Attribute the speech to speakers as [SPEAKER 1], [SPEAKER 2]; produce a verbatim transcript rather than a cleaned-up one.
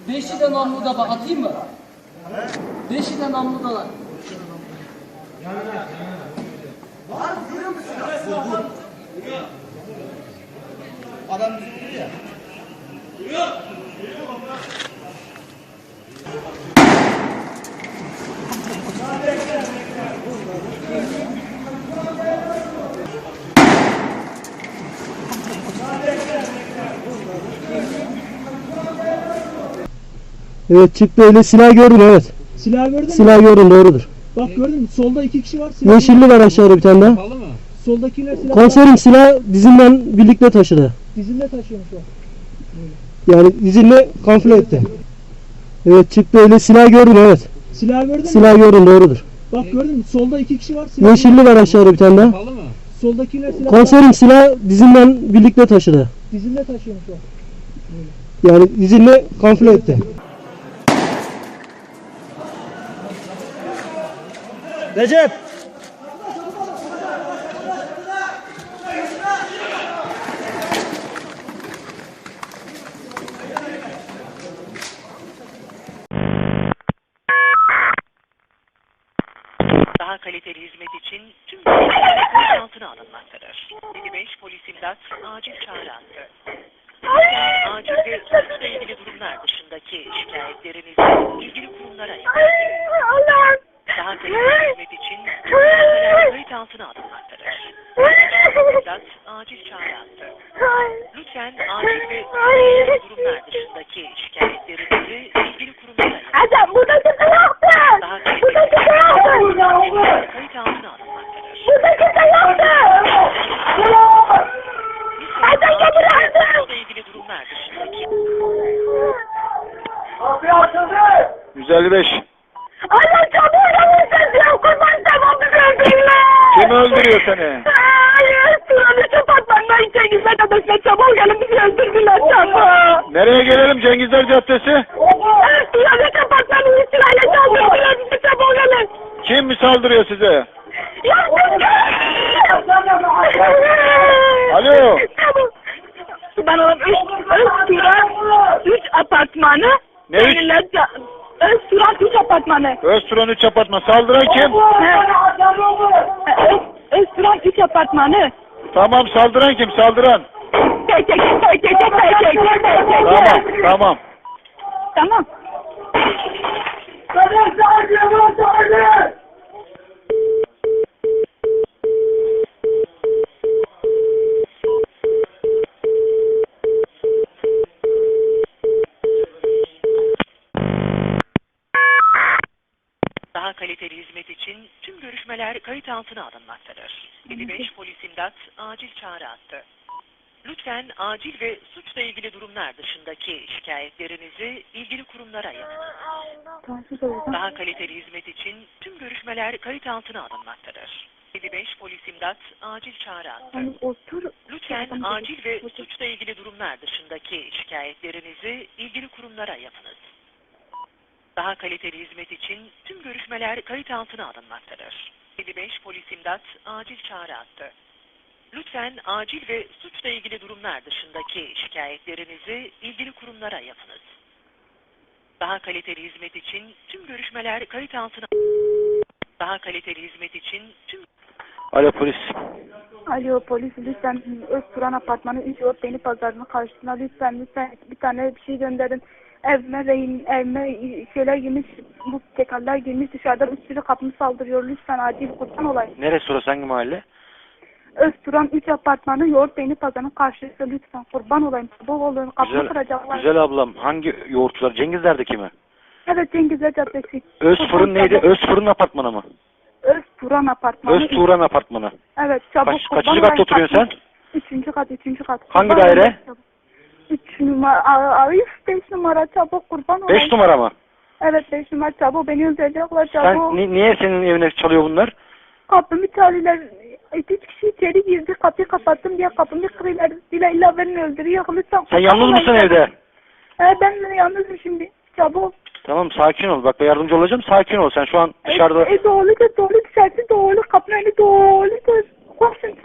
[SPEAKER 1] Beşi de namluda bak, atayım mı? Beşi de namludalar.
[SPEAKER 2] Var mı? Görüyor musun? Vur, vur. Adam bizi vurdu ya. Vuruyor.
[SPEAKER 3] Evet, çıktı öyle, silah gördüm, evet.
[SPEAKER 4] Silah gördün mü?
[SPEAKER 3] Silah gördüm, doğrudur.
[SPEAKER 4] Bak gördün mü? Solda iki kişi var. Silah
[SPEAKER 3] Yeşilli var aşağıda bir tane daha.
[SPEAKER 4] Soldakiler silah
[SPEAKER 3] Komiserim silah dizinden birlikte taşıdı.
[SPEAKER 4] dizinde taşıyormuş o.
[SPEAKER 3] Yani dizinle kamufle etti. Evet, çıktı öyle, silah gördüm, evet.
[SPEAKER 4] Silah gördün mü?
[SPEAKER 3] Silah gördüm, doğrudur.
[SPEAKER 4] Bak gördün mü? Solda iki kişi var. Silah
[SPEAKER 3] Yeşilli var aşağıda bir tane daha.
[SPEAKER 4] Soldakiler silah
[SPEAKER 3] Komiserim silah dizinden birlikte taşıdı.
[SPEAKER 4] dizinde taşıyormuş o.
[SPEAKER 3] Yani dizinle kamufle etti.
[SPEAKER 2] Recep.
[SPEAKER 5] Daha kaliteli hizmet için tüm görevliler gözaltına alınmaktadır. yedi beş polis imdat acil çağrı attı. Lütfen acil ve suçla ilgili durumlar dışındaki şikayetlerinizi ilgili kurumlara yapın. Daha kaliteli hizmet için tüm görevliler kayıt altına alınmaktadır. Polis imdat acil çağrı attı. Lütfen acil ve suçla ilgili durumlar dışındaki şikayetlerinizi ilgili kurumlara yapın.
[SPEAKER 6] Adam buradaki yoktu.
[SPEAKER 5] Daha
[SPEAKER 6] Buradaki
[SPEAKER 5] kaliteli
[SPEAKER 6] yoktu.
[SPEAKER 5] kayıt altına alınmaktadır.
[SPEAKER 6] Buradaki yoktu. Adam geldi.
[SPEAKER 5] Suçla ilgili durumlar dışındaki
[SPEAKER 7] yüz elli beş.
[SPEAKER 6] Allah çabuk yapmışsın ya. Kurban tamam bizi öldürürler.
[SPEAKER 7] Kim öldürüyor seni?
[SPEAKER 6] Hayır. Sıranı kapatmanlar için hizmet adasına çabuk gelin bizi öldürdüler çabuk.
[SPEAKER 7] Nereye gelelim? Cengizler Caddesi.
[SPEAKER 6] Sıranı kapatmanın için aile çaldırdılar bizi çabuk gelin.
[SPEAKER 7] Kim mi saldırıyor size? Alo.
[SPEAKER 6] Ben oğlum üç, üç turan, üç apartmanı.
[SPEAKER 7] Ne üç?
[SPEAKER 6] Üç turan, üç apartmanı.
[SPEAKER 7] Özturan üç apartman. Saldıran kim?
[SPEAKER 6] Üç turan, üç apartmanı.
[SPEAKER 7] Tamam, saldıran kim? Saldıran.
[SPEAKER 6] Tek tek tek tek tek tek tek tek tek tek.
[SPEAKER 7] Tamam, tamam.
[SPEAKER 6] Tamam.
[SPEAKER 5] daha kaliteli hizmet için tüm görüşmeler kayıt altına alınmaktadır. yedi beş polis imdat acil çağrı attı. Lütfen acil ve suçla ilgili durumlar dışındaki şikayetlerinizi ilgili kurumlara yapın. Daha kaliteli hizmet için tüm görüşmeler kayıt altına alınmaktadır. yedi beş polis imdat acil çağrı attı. Lütfen acil ve suçla ilgili durumlar dışındaki şikayetlerinizi ilgili kurumlara yapınız. Daha kaliteli hizmet için tüm görüşmeler kayıt altına alınmaktadır. yedi beş polis imdat acil çağrı attı. Lütfen acil ve suçla ilgili durumlar dışındaki şikayetlerinizi ilgili kurumlara yapınız. Daha kaliteli hizmet için tüm görüşmeler kayıt altına Daha kaliteli hizmet için tüm
[SPEAKER 7] Alo polis.
[SPEAKER 6] Alo polis lütfen Özturan apartmanı üç yol beni pazarına karşısına lütfen lütfen bir tane bir şey gönderin. Evime rehin, evime şeyler girmiş, bu tekerler girmiş dışarıda bir sürü kapımı saldırıyor. Lütfen acil kurban olayım.
[SPEAKER 7] Neresi orası, hangi mahalle?
[SPEAKER 6] Özturan üç apartmanı yoğurt beyni pazarının karşısı lütfen kurban olayım. Çabuk olun kapımı
[SPEAKER 7] Güzel,
[SPEAKER 6] kıracaklar.
[SPEAKER 7] güzel ablam. Hangi yoğurtçular? Cengizler'deki mi?
[SPEAKER 6] Evet Cengizler Caddesi.
[SPEAKER 7] Özfırın neydi? Özfırın apartmanı mı?
[SPEAKER 6] Özturan apartmanı.
[SPEAKER 7] Özturan apartmanı.
[SPEAKER 6] Evet çabuk
[SPEAKER 7] Kaç,
[SPEAKER 6] kurban
[SPEAKER 7] kaçıncı katta
[SPEAKER 6] olayım.
[SPEAKER 7] oturuyorsun sen?
[SPEAKER 6] Üçüncü kat, üçüncü kat.
[SPEAKER 7] Hangi
[SPEAKER 6] Kurban
[SPEAKER 7] daire?
[SPEAKER 6] olayım çabuk. Üç numara, Arif beş numara çabuk kurban olayım.
[SPEAKER 7] Beş numara mı?
[SPEAKER 6] Evet beş numara çabuk beni öldürecekler çabuk.
[SPEAKER 7] Sen ni- niye senin evine çalıyor bunlar?
[SPEAKER 6] Kapımı çalıyorlar. Üç kişi içeri girdi. Kapıyı kapattım diye kapımı kırıyorlar. Dile illa beni öldürüyor. Lütfen.
[SPEAKER 7] Sen yalnız mısın evde?
[SPEAKER 6] Evet ben yalnızım şimdi. Çabuk.
[SPEAKER 7] Tamam, sakin ol. Bak ben yardımcı olacağım. Sakin ol. Sen şu an dışarıda...
[SPEAKER 6] E, e doğru da doğru dışarısı doğru. Kapının önü doğru. Koşun.